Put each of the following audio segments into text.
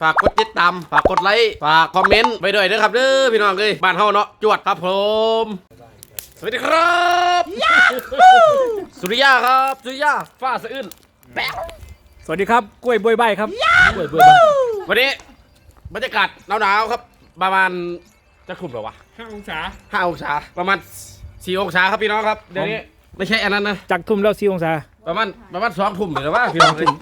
ฝากกดติดตามฝากกดไลค์ฝากคอมเมนต์ไปด้วยนะครับเด้อพี่น้องเลยบ้านเฮาเนาะจวดครับผมสวัสดีครับสุริยาครับสุริยาฟ้าสะอื้นแป๊ะสวัสดีครับกล้วยบวยใบครับกล้วยบวยใบวันนี้บรรยากาศหนาวๆครับประมาณจะคุมหรอวะ 5 องศา 5 องศาประมาณ4 องศาครับพี่น้องครับเดี๋ยวนี้ไม่ใช่อันนั้นนะจากทุ่มแล้ว4 องศาประมาณ2 ทุ่มหรือว่าพี่น้องเลย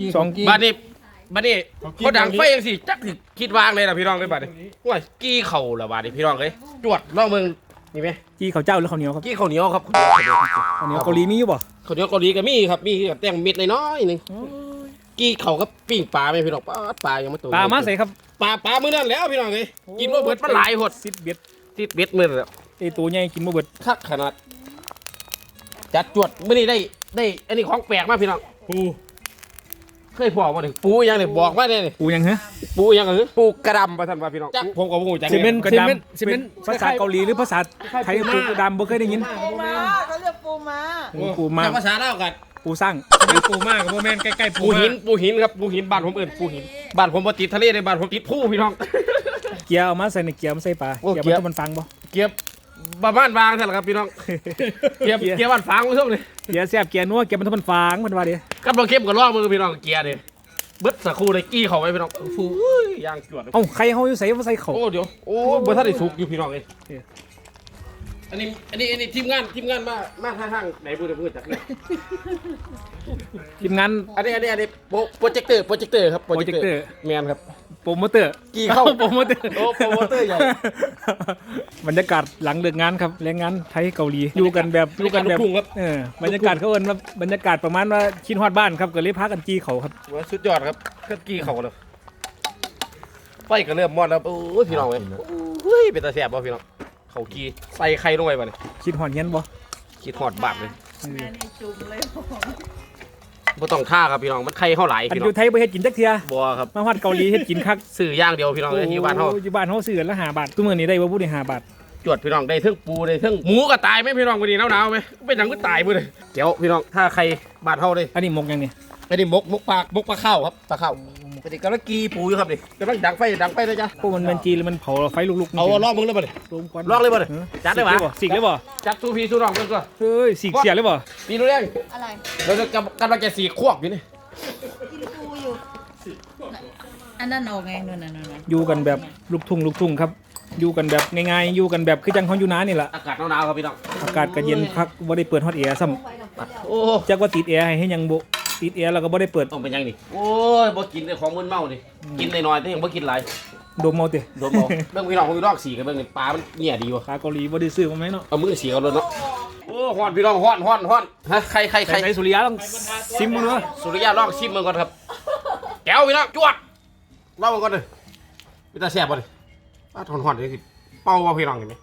2 บ้านนี้เขาดังไฟยังสิจักสิคิดวางเลยนะพี่น้องเลยบ้านนี้ว้ยกี้เข่าละบ้านนี้พี่น้องเลยจวดล่องเมืองนี่ไหมจี้ข้าวเจ้าหรือข้าวเหนียวครับกี้ข้าวเหนียวครับข้าวเหนียวเกาหลีมีอยู่บ่ข้าวเหนียวเกาหลีก็มีครับมีกับแตงเม็ดน้อยๆนึงกี้เข่ากับปิ้งปลาไหมพี่น้องปลายังไม่โตปลามาใส่ครับปลามื้อนั้นแล้วพี่น้องเลยกินว่าเบิดมันหลายหดซิดเบ็ดที่เบ็ดมื้อแล้วไอตัวใหญ่กินบ่เบิดคักขนาดจัดจวดมื้อนี้ได้อันนี้ของแปลกมากพี่น้องปูเคยบอกมาดิปูยังเนี่ยบอกมาเนี่ยนี่ปูยังฮะปูยังเหรอปูกระดำประทันว่าพี่น้องจักผมกับปูจักซีเมนต์กระซีดำเมนต์ซีเมนต์ภาษาเกาหลีหรือภาษาไทยปูดำบ่เคยได้ยินปูม้าเขาเรียกปูม้าปูมาภาษาเล่าวกันปูสร้างเป็นปูมากกับโมเมนใกล้ๆปูปูหินครับปูหินบ้านผมเอิ้นปูหินบ้านผมบ่ติดทะเลในบ้านผมติดผู้พี่น้องเกียร์เอามาใส่ในเกียร์มาใส่ปลาโอ้เกียร์เกียร์มันฟังบ่เกียบบ้านวางใช่หรอครับพี่น้องเกียบบ้านฟางผู้ชมเลยเกียร์แซ่บเกียร์นัวเกียร์มันฟังมันว่าดิกับเราเข้มกับล่อมือพี่น้องเกียร์เนี่ยเบิดสักครู่เลยกี้เขาไว้พี่น้องฟูย่างจวดเอ้าใครเฮาอยู่ใส่มาใส่เขาโอ้เดี๋ยวโอ้บ่ทันได้สุกอยู่พี่น้องเอ้ยอันนี้ทีมงานมาทางไหนพูดจักเลยทีมงานอันนี้โปรเจคเตอร์ครับโปรเจคเตอร์แมนครับโปรโมเตอร์กี่เข้าโปรโมเตอร์โอ้โปรโมเตอร์ใหญ่บรรยากาศหลังเลิกงานครับแรงงานไทยเกาหลีอยู่กันแบบอยู่กันแบบลูกทุ่งครับบรรยากาศเขาเอิ้นว่าบรรยากาศประมาณว่าชินฮอดบ้านครับก็เลยพากันจี้เขาครับว่าสุดยอดครับก็กี่เขาเลยไฟก็เริ่มมอดแล้วโอ้ยพี่น้องเว้ยโอ้ยเป็นตาแสบบ่พี่น้องเขากี่ใส่ไข่ลงไปบ่เนี่ยคิดฮอดเฮียนบ่คิดฮอดบาดเลยแม่นี่จุ่มเลยผมบ่ต้องท่าครับพี่น้องมันไข่เฮาหลายอันพี่อน้องยู่ไทยบ่เฮ็ดกินจักเทื่อบ่ครับมาฮอดเกาหลีเฮ็ดกินคักซื้อย่างเดียวพี่น้องเลยที่บ้านเฮาอยู่บ้านเฮาซื้อกันละ5 บาททุกมื้อนี้ได้บ่ผู้ได้5 บาทจวดพี่น้องได้เทั้งปูได้เทั้งหมูก็ตายไหมพี่น้องวันนี้หนาวๆไหมเป็นหนังก็ตายหมดเลยเดี๋ยวพี่น้องถ้าใครบ้านเฮาเลยอันนี้หมกยังนี่ไอ้นี่มกปลข้าวครับปลาข้าวปกติกำลังกีปูอยู่ครับนี่กำลังดังไฟเลยจ้ะพวกมันจีหรือมันเผาไฟลุกๆเอาลองมึงเลยบ่ดิลงควันลองเลยบ่ดิจัดเลยบ่สิกเลยบ่จัดสู้พี่สู้น้องเพิ่นก็เฮ้ยสิกเสียเลยบ่ปีนู้นเองอะไรเราจะกำลังจะสีควบอยู่นี่กินปูอยู่ อันนั้นออกไงนู่นน่ะอยู่กันแบบลูกทุ่งครับอยู่กันแบบง่ายๆอยู่กันแบบคือจังเฮาอยู่นานี่ล่ะอากาศหนาวๆครับพี่น้องอากาศก็เย็นคักบ่ได้เปิดฮอตแอร์ซ้ำโอ้จักว่าติดแอร์ให้ยังบ่ติดแอร์แล้วก็บ่ได้เปิดต้องเป็นยังนี่โอ้ยบ่กินแต่ของมึนเมานี่กินน้อยๆแต่ยังบ่กินหลายดมเอาติโดนบ่เบิ่งพี่น้องพี่น้องสีกันเบิ่งนี่ปลามันเหี้ยดีว่ะขาเกาหลีบ่ได้ซื้อมาไหมเนาะเอามือสีกันเลยเนาะโอ้ฮ้อนพี่น้องฮ้อนฮะใครใส่สุริยะต้องซิมมึงเนาะสุริยะลองชิมมันก่อนครับแก้วพี่น้องจวดลองมันก่อนเลยพี่ตาแซ่บบ่เลยป้าทอนๆเลยสิเป่าว่าพี่น้องเห็นไหม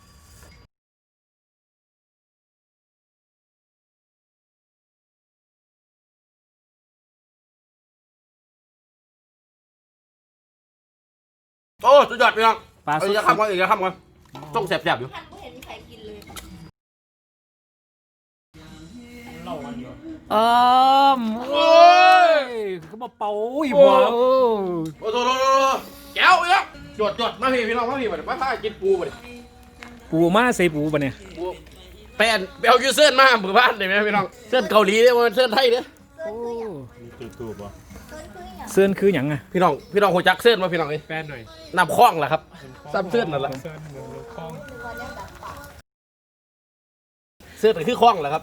โอ้สุดยอดพี่น้องปลาเอาสุอีกจะข้ามก่อนอีกจะข้ามก่อนต้องแซ่บๆอยู่ท่านไม่เห็นใครกินเลยอ้อมโอ้ยเขามาเป่าอีบ่โอ้โหแก้วพี่น้องจวดมาพี่น้องมาพี่มาพากินปูมาดิปูมาใส่ปูปะเนี่ยไปเอายูเซิร์นมาหมู่บ้านได้ไหมพี่น้องเซิร์นเกาหลีเนี่ยมันเซิร์นไทยเนี่ยโอ้ถูกป่ะเสื้อนคือหยังอ่ะพี่น้องหัวจักเซิร์นมาพี่น้องเลยแฟนหน่อยน้ำคล้องแหละครับซ้ำเซิร์นนั่นแหละเซิร์นเหมือนคลองเซิร์นคือคล้องแหละครับ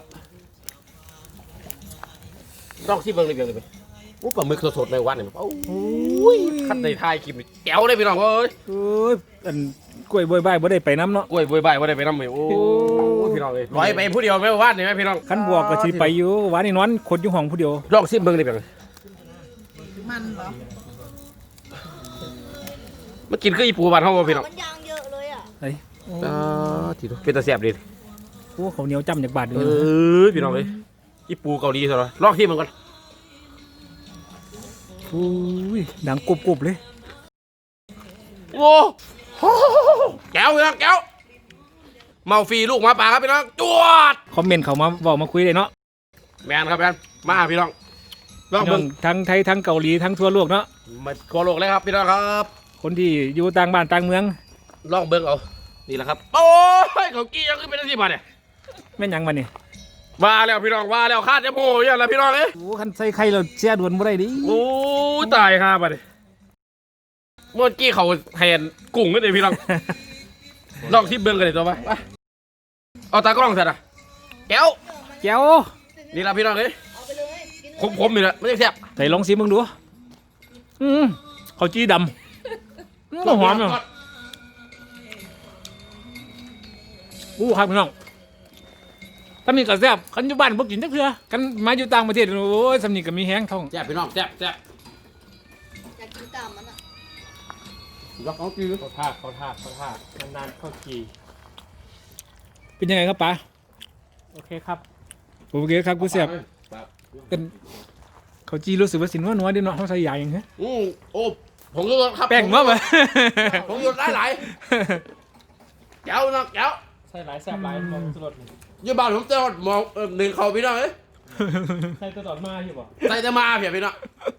ต้องที่เบิ้งในเบียงเลยไปโอ้ปลาหมึกสดๆในวันเนี่ยโอ้ยขั้นในทายกินแก้วเลยพี่น้องเอ้ยเอ้ยอันกล้วยบวยใบบ่ได้ไปน้ำเนาะกล้วยบวยใบว่าได้ไปน้ำเลยโอ้ยพี่น้องเลยร้อยไปผู้เดียวไม่ว่าเนี่ยไหมพี่น้องคันบวกก็สิไปอยู่หวานนี่นอนขดอยู่ห้องผู้เดียวลองซิมเบิ้งในเบียงมันเหรอมากินคืออีปูบ้านเขาพี่น้องมันยางเยอะเลยอ่ะไอ้ทีดูเป็นตาแซ่บดีโอ้เขาวเหนียวจ้ำจากบาทอยู่เอนะอพี่น้องเลยอีปูเกาหลีเถอะลองที่มันก่อนโอ้ยดังกรุบๆเลยโอ้แก้วพี่น้องแก้วเมาฟรีลูกหมาป่าครับพี่น้องจวดคอมเมนต์เขามาบอกมาคุยเลยเนาะแมนครับแมนมาพี่น้องลองพี่น้เบิ่อง งทั้งไทยทั้งเกาหลีทั้งทั่วโลกเนาะมาทั่วโลกเลยครับพี่น้องครับคนที่อยู่ต่างบ้านต่างเมืองลองเบิ่งเอานี่แหละครับโอ้ยเขากี้ยังขึ้นเป็นที่มาเนี่ยแม่นหยังมานี่ว่าแล้วพี่น้องว่าแล้วคาดจะโม่ยังละพี่น้องเอ้ยโอ้คันใส่ไข่เราเสียด่วนบ่ได้ดิโอ้ยตายครับมาดิเมื่อกี้เขาแทนกุ้งกันเลยพี่น้อง ลองที่เบิ่งกันเลยตัวไปเอาตากล้องเสร็จอ่ะแก้วแก้วนี่ละพี่น้องเอ้ยคมๆนี่แหละไม่ได้แซ่บใส่ลองซิมึงดูข้าวจี้ดำหอมเนาะอู้ครับพี่น้องถ้ามีกระแซบคันอยู่บ้านบ่กินจักเทื่อกันมาอยู่ต่างประเทศโอ้ยสำนีก็มีแห้งท้องแซ่บพี่น้องแซ่บอยากกินตามมันอ่ะยกเอาจื้อเขาทาดนานๆเข้ากีเป็นยังไงครับป๋าโอเคครับโอเคครับกูแซ่บเป็นข้าวจี้รู้สึกว่าสินว่าน้อยดิเนาะเฮาใส่ยาหยังฮะโอ้ผมก็ครับแป้งมาบ่ผมหยุดหลายๆแก้วนะแก้วใส่หลายแซ่บหลายมองสลดนี่ยี่บ้านผมเจ้ามองหนึ่งเขาพี่น้องเอ้ยใส่ตัวต่อมาอยู่บ่ใส่แต่มาเพียพี่น้อง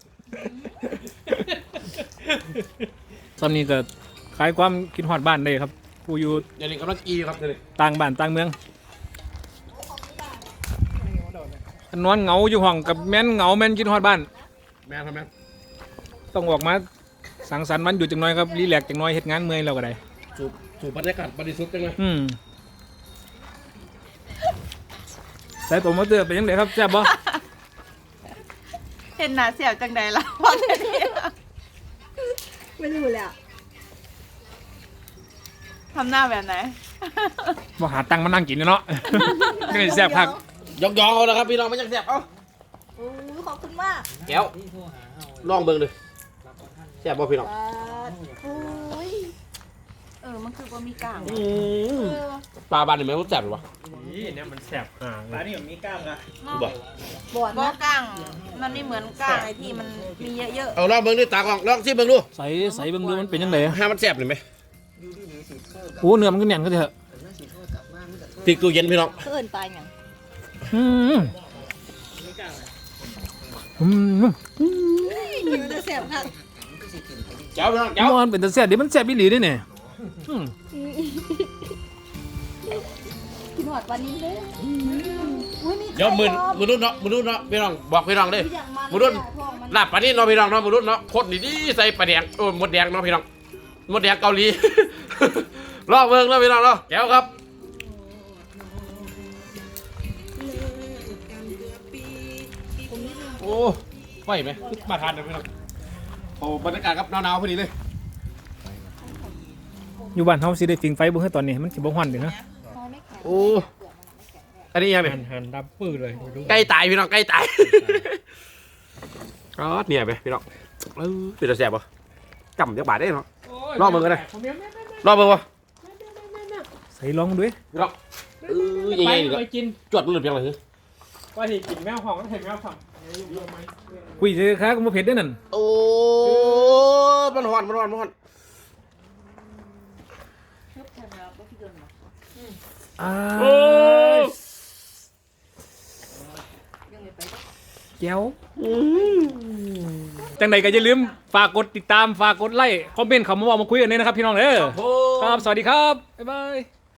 ตอนนี้ก็คลายความคิดฮอดบ้านได้ครับผู้อยู่อย่างนี้กำลังกีครับเดี๋ยวนี้ต่างบ้านต่างเมืองนอนเหงาอยู่ห้องกับแม่นเหงาแม่นคิดฮอดบ้านแม่ทำแม่ต้องออกมาสังสรรค์วันหยุดจังน้อยครับรีแลกซ์จังน้อยเฮ็ดงานเมื่อยแล้วก็ได้สูบบรรยากาศบริสุทธิ์จังเลยใส่ตัวมอเตอร์เป็นยังไงครับแซ่บบ่เห็นหนาเสียวจังใดล่ะพอจะดีไม่รู้เลยอ่ะทำหน้าแบบไหนบ่หาตังค์มานั่งกินเนาะ ก็เลยแซ่บคักยองเอาละครับพี่น้องไม่ยังแซ่บเอ้าโอ้ขอบคุณมากแก้วลองเบิ่งเลยแซ่บบ่พี่น้องโอ้ยมันคือว่ามีกลางปลาบ้านนี่แม่งแซ่บหรือวะนี่เนี่ยมันแซ่บห่างปลานี่มีกล้างอะบ่บอดนะกลางมันไม่เหมือนกลางไอ้ที่มันมีเยอะเอาลองเบิ่งดิตากล้องลองซิเบิ่งดูใส่เบิ่งดูมันเป็นยังไงให้มันแซ่บหรือไหมโอ้เนื้อมันก็แน่นก็เถอะติดตู้เย็นพี่น้องๆเกินไปอย่างอืมอืมอยู่จะเสียบค่ะแก้วพี่น้องแก้วมันเป็นตาแซ่บเดี๋ยวมันแซ่บอีหลีเด้เนี่ยอืมกินหอดวันนี้เลยอุ้ยมีเดี๋ยวมือรุ่นเนาะพี่น้องบอกพี่น้องดิมือรุ่นลาบปลานี่เนาะพี่น้องเนาะมือรุ่นเนาะโคตรดีๆใส่ปลาแดงโอ้หมดแดงเนาะพี่น้องหมดแดงเกาหลี ลองเบิ่งเนาะพี่น้องเนาะแก้วครับโอ้ไหวไหมมาทานเลยพี่น้องโอ้บรรยากาศครับหนาวๆพอดีเลยอยู่บ้านเฮาสิได้ฟิงไฟบ่คือตอนนี้มันสิบ่ฮ้อนเด้นะโอ้อันนี้ยังไงหันดับปื้อเลยดูใกล้ตายพี่น้องใกล้ตาย อ๋อเนี่ยไปพี่น้องเป็นตาแสบปะจำจักบาทได้เนาะ รอบมึงก็ได้ รอบเบิ่งวะใส่ลองดูดิพี่น้องยังไงนี่ไปกินจวดมันหลุดยังไงว่าที่กินแมวห้องก็เห็นแมวฝั่งคุยเจอค้าก็บ่เผ็ดเด้อนั่นโอ้มันหอนอ้าแก้วจังใดก็อย่าลืมฝากกดติดตามฝากกดไลค์คอมเมนต์เข้ามาเว้ามาคุยกันเลยนะครับพี่น้องเด้อครับสวัสดีครับบ๊ายบาย